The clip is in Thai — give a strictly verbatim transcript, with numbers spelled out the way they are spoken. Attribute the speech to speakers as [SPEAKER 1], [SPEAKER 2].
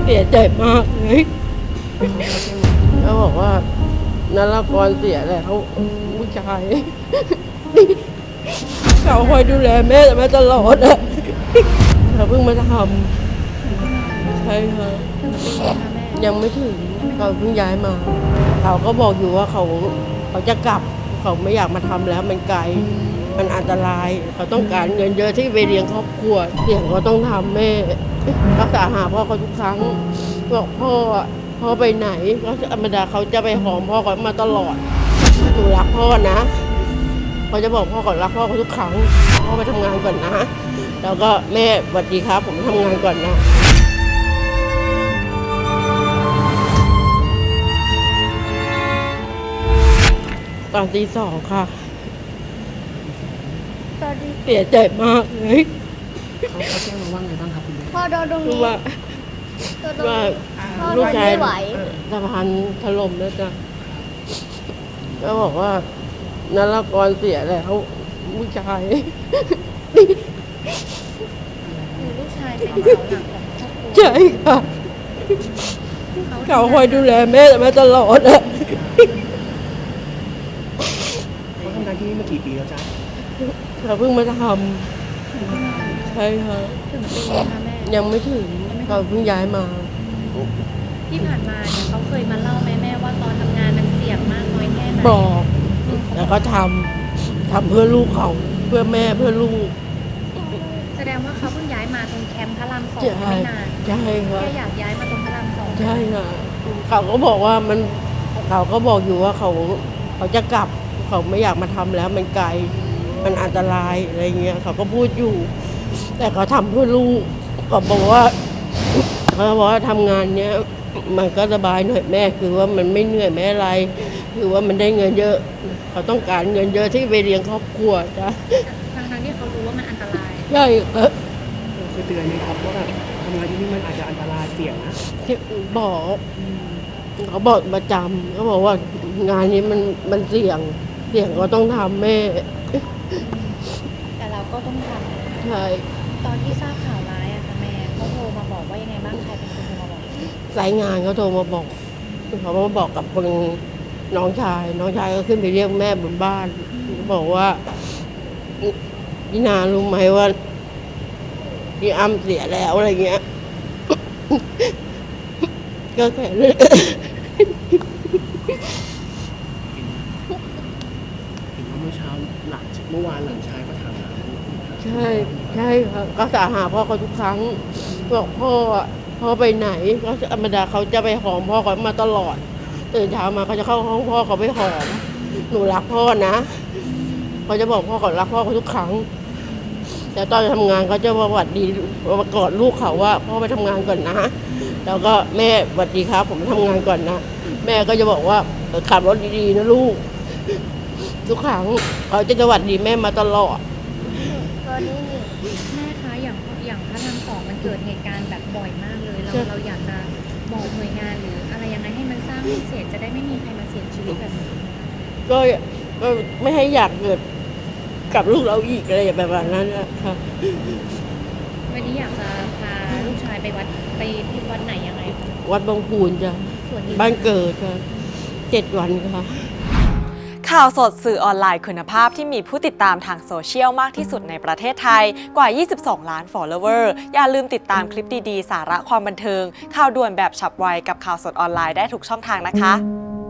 [SPEAKER 1] เสียใจมากเลยเขาบอกว่านรกรเสียแล้วผู้ชายเขาคอยดูแลแม่แต่มาตลอดอะเขาเพิ่งมาทำใช่ค่ะยังไม่ถึงเขาเพิ่งย้ายมาเขาก็บอกอยู่ว่าเขาเขาจะกลับเขาไม่อยากมาทำแล้วมันไกลมันอันตรายเขาต้องการเงินเยอะที่ไปเลี้ยงครอบครัวเสี่ยงเขาต้องทำแม่รักษาหาพ่อเขาทุกครั้งบอกพ่อพ่อไปไหนก็ธรรมดาเขาจะไปหอมพ่อเขามาตลอดหนูรักพ่อนะเขาจะบอกพ่อก่อนรักพ่อเขาทุกครั้งพ่อไปทำงานก่อนนะแล้วก็แม่สวัสดีครับผมทำงานก่อนนะตอนตีสองค่ะ
[SPEAKER 2] ตอนที่
[SPEAKER 1] เสียใจมากเลย
[SPEAKER 3] เขาเขาแจ้งมาว่าไงบ้างครับคุณแม่
[SPEAKER 2] พ่อโดนตรง
[SPEAKER 1] คือ
[SPEAKER 2] นี้
[SPEAKER 1] ว่า
[SPEAKER 2] โดนตรง
[SPEAKER 1] ว่า
[SPEAKER 2] นี้พ่อ
[SPEAKER 1] ลูกชาย
[SPEAKER 2] ไม่ไหว
[SPEAKER 1] สะพานถล่มแล้วจ้ะก็บอกว่านรกรเสียแล้วผู้ชาย
[SPEAKER 2] ลูกชายเป็นเสาหลักของครอบครัว
[SPEAKER 1] ใช่ค่ะเขาคอยดูแลแม่แต่มาตลอดอะ
[SPEAKER 3] เขาทำงานที่นี่มากี่ปีแล้วจ๊ะ
[SPEAKER 1] เขาเพิ่งมาทำใช่ค่ะ
[SPEAKER 2] ถึงปีนะคะแม่
[SPEAKER 1] ยังไม่ถึงเขาเพิ่งย้ายมา
[SPEAKER 2] ที่ผ่านมาเนี่ยเขาเคยมาเล่าไหมแม่ว่าตอนทำงานมันเสี่ยงมากน้อยแค่ไหน
[SPEAKER 1] บอกแล้วก็ทำทำเพื่อลูกเขาเพื่อแม่เพื่อลูก
[SPEAKER 2] แสดงว่าเขาเพิ่งย้ายมาตรงแคมป์พระรามสอง
[SPEAKER 1] ใช่
[SPEAKER 2] ไม่นาน
[SPEAKER 1] ใช่ค่ะ
[SPEAKER 2] แค่อยากย้ายมาตรงพระรามสอง
[SPEAKER 1] ใช่ค่ะเขาก็บอกว่ามันเขาก็บอกอยู่ว่าเขาเขาจะกลับเขาไม่อยากมาทำแล้วมันไกลมันอันตรายอะไรเงี้ยเขาก็พูดอยู่ แต่เขาทำเพื่อลูกก็บอกว่าเขาบอกว่าทำงานเนี้ยมันก็สบายหน่อยแม่คือว่ามันไม่เหนื่อยไม่อะไร คือว่ามันได้เงินเยอะ เขาต้องการเงินเยอะที่ไปเลี้ยงครอบครัวจ้ะ
[SPEAKER 2] ทั้งๆที่เขารู้ว่ามันอันตราย
[SPEAKER 1] ใช่ค่ะ
[SPEAKER 3] เราเคยเตือนไหมครับว่าแบบทำงานที่นี่มันอาจจะอันตรายเสี่ยงนะ
[SPEAKER 1] ที่บอกเขาบอกประจำเขาบอกว่างานนี้มันมันเสี่ยงเสี่ยงก็ต้องทำแม่
[SPEAKER 2] แต่เราก็ต้องท
[SPEAKER 1] ใช่
[SPEAKER 2] ำตอนที่ทราบข่าวร้ายอะค่ะแม่เขาโทรมาบอกว่ายังไงบ้างใครเป็นคนโทรมาบอก
[SPEAKER 1] สายงานเขาโทรมาบอกเขามาบอกกับคนน้องชาย น้องชายก็ขึ้นไปเรียกแม่บนบ้านบอกว่าพี่นารู้ไหมว่าพี่อ้ำเสียแล้วอะไรเงี้ย ก็แค่นั้น
[SPEAKER 3] เห็นว่าเมื่อเช้าหลังเมื่อวานหลังชายก็ถามหา
[SPEAKER 1] ใช่ใช่ค่ะก็สาหาพ่อเขาทุกครั้งบอกพ่อพ่อไปไหนก็ธรรมดาเขาจะไปหอมพ่อเขามาตลอดตื่นเช้ามาเขาจะเข้าห้องพ่อเขาไปหอมหนูรักพ่อนะเขาจะบอกพ่อเขารักพ่อเขาทุกครั้ง แต่ตอนทำงานเขาจะมาหวัดดีมากอดลูกเขาว่าพ่อไปทำงานก่อนนะแล้วก็แม่สวัสดีครับผมทำงานก่อนนะแม่ก็จะบอกว่าขับรถดีๆนะลูกทุกครั้งเขาจะสวัสดีแม่มาตลอด
[SPEAKER 2] ตอนนี้แม่คะอย่างอย่างพระรามสองมันเกิดเหตุการณ์แบบบ่อยมากเลย เรา
[SPEAKER 1] ใช่
[SPEAKER 2] เราอยากจะบอกหน่วยงานหรืออะไรยังไงให้มันสร้างให้เสร็จจะได้ไม่มีใครมาเสียชีวิตแบบนี้
[SPEAKER 1] ก็ก็ไม่ให้อยากเกิดกับลูกเราอีกอะไรแบบนั้นนะคะ
[SPEAKER 2] วันนี้อยากจะพาลูกชายไปวัดไปที่วัดไหนยังไงคะ
[SPEAKER 1] วัดบางพูนจ้ะ
[SPEAKER 2] ส่วนนี้
[SPEAKER 1] บ้านเกิดค่ะเจ็ดวันค่ะ
[SPEAKER 4] ข่าวสดสื่อออนไลน์คุณภาพที่มีผู้ติดตามทางโซเชียลมากที่สุดในประเทศไทยกว่า ยี่สิบสอง ล้าน follower อย่าลืมติดตามคลิปดีๆ สาระความบันเทิง ข่าวด่วนแบบฉับไวกับข่าวสดออนไลน์ได้ทุกช่องทางนะคะ